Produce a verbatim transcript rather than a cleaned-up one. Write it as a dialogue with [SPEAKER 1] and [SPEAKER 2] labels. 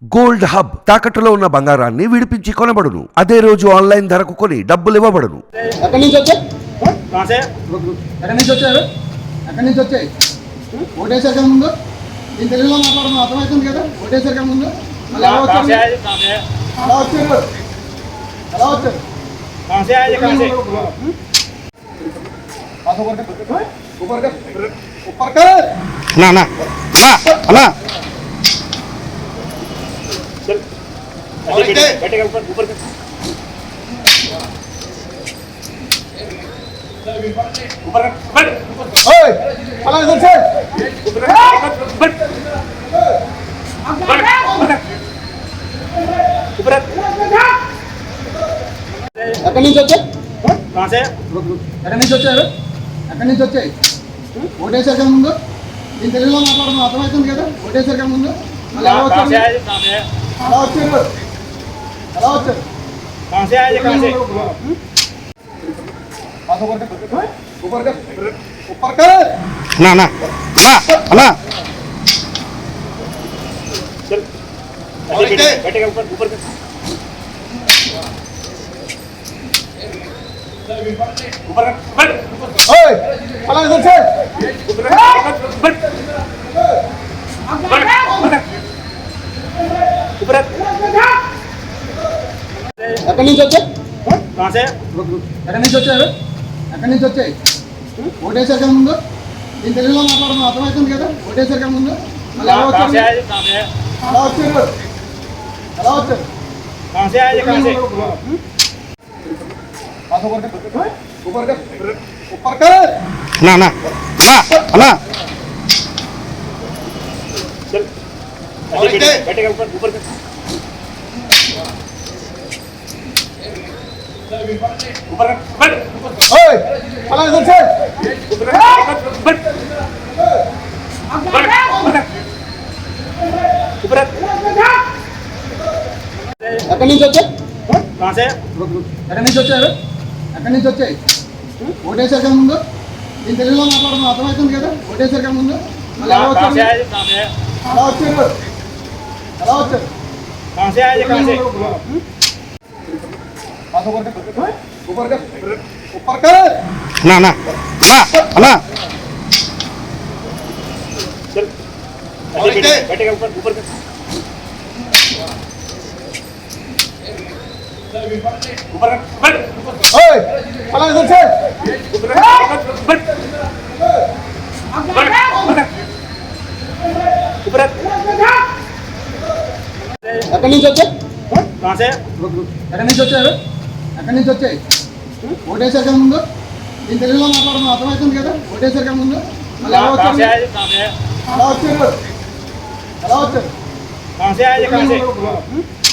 [SPEAKER 1] Gold hub తాకట్టులో ఉన్న బంగారాన్ని విడిపించి కొనబడును. అదే రోజు ఆన్లైన్ ధరకు కొని డబ్బులు ఇవ్వబడును.
[SPEAKER 2] ఎక్కడి నుంచి వచ్చాయి ఎక్కడి నుంచి వచ్చారు ఎక్కడి నుంచి వచ్చాయి ఓటేసారు కదా ముందు నేను తెలుగులో మాట్లాడడం అర్థమవుతుంది కదా. ఓటేసారు కదా ముందు మళ్ళీ ఎలా వచ్చారు ఎలా వచ్చారు ఎలా వచ్చారు
[SPEAKER 3] ना ना ना ना
[SPEAKER 4] चल बैठेगा ऊपर ऊपर ऊपर बैठ
[SPEAKER 2] ओए चला इधर से
[SPEAKER 4] ऊपर बैठ ऊपर
[SPEAKER 2] ఎక్కడి నుంచి వచ్చాయి
[SPEAKER 4] कहां से
[SPEAKER 2] ఎక్కడి నుంచి వచ్చారు ఎక్కడి నుంచి వచ్చాయి ఓటేసారు కదా ముందు నేను తెలుగులో మాట్లాడడం అర్థమవుతుంది కదా. ఓటేసారు కదా ముందు మళ్ళీ ఎలా
[SPEAKER 4] कहां से
[SPEAKER 2] వచ్చారు
[SPEAKER 4] आए कहां से
[SPEAKER 2] ఎలా వచ్చారు ఎలా వచ్చారు
[SPEAKER 4] कहां से आए कहां से
[SPEAKER 2] ऊपर कर ऊपर कर
[SPEAKER 3] ना ना ना ना
[SPEAKER 4] चल बैठेगा ऊपर ऊपर ऊपर बैठ
[SPEAKER 2] ओए चला इधर से
[SPEAKER 4] ऊपर बैठ ऊपर
[SPEAKER 2] ఎక్కడి నుంచి వచ్చాయి
[SPEAKER 4] कहां से
[SPEAKER 2] ఎక్కడి నుంచి వచ్చారు ఎక్కడి నుంచి వచ్చాయి ఓటేసారు కదా ముందు నేను తెలుగులో మాట్లాడడం అర్థమవుతుంది కదా. ఓటేసారు కదా ముందు మళ్ళీ ఎలా
[SPEAKER 4] कहां से
[SPEAKER 2] వచ్చారు
[SPEAKER 4] आए कहां से
[SPEAKER 2] ఎలా వచ్చారు ఎలా వచ్చారు
[SPEAKER 4] कहां से आए कहां से
[SPEAKER 2] ऊपर कर ऊपर कर
[SPEAKER 3] ना ना ना ना
[SPEAKER 4] चल बैठेगा ऊपर ऊपर ऊपर बैठ
[SPEAKER 2] ओए चला इधर से
[SPEAKER 4] ऊपर बैठ ऊपर
[SPEAKER 2] ఎక్కడి నుంచి వచ్చాయి
[SPEAKER 4] कहां से
[SPEAKER 2] ఎక్కడి నుంచి వచ్చారు ఎక్కడి నుంచి వచ్చాయి ఓటేసారు కదా ముందు నేను తెలుగులో మాట్లాడడం అర్థమవుతుంది కదా. ఓటేసారు కదా ముందు మళ్ళీ ఎలా
[SPEAKER 4] कहां से
[SPEAKER 2] వచ్చారు
[SPEAKER 4] आए कहां से
[SPEAKER 2] ఎలా వచ్చారు ఎలా వచ్చారు
[SPEAKER 4] कहां से आए कहां से
[SPEAKER 2] ऊपर कर ऊपर कर
[SPEAKER 3] ना ना ना ना
[SPEAKER 4] चल बैठेगा ऊपर ऊपर ऊपर बैठ
[SPEAKER 2] ओए चला इधर से
[SPEAKER 4] ऊपर बैठ ऊपर
[SPEAKER 2] ఎక్కడి నుంచి వచ్చాయి
[SPEAKER 4] कहां से
[SPEAKER 2] ఎక్కడి నుంచి వచ్చారు ఎక్కడి నుంచి వచ్చాయి ఓటేసారు కదా ముందు నేను తెలుగులో మాట్లాడడం అర్థమవుతుంది కదా. ఓటేసారు కదా ముందు మళ్ళీ ఎలా
[SPEAKER 4] कहां से
[SPEAKER 2] వచ్చారు
[SPEAKER 4] आए कहां से
[SPEAKER 2] ఎలా వచ్చారు ఎలా వచ్చారు
[SPEAKER 4] कहां से आए कहां से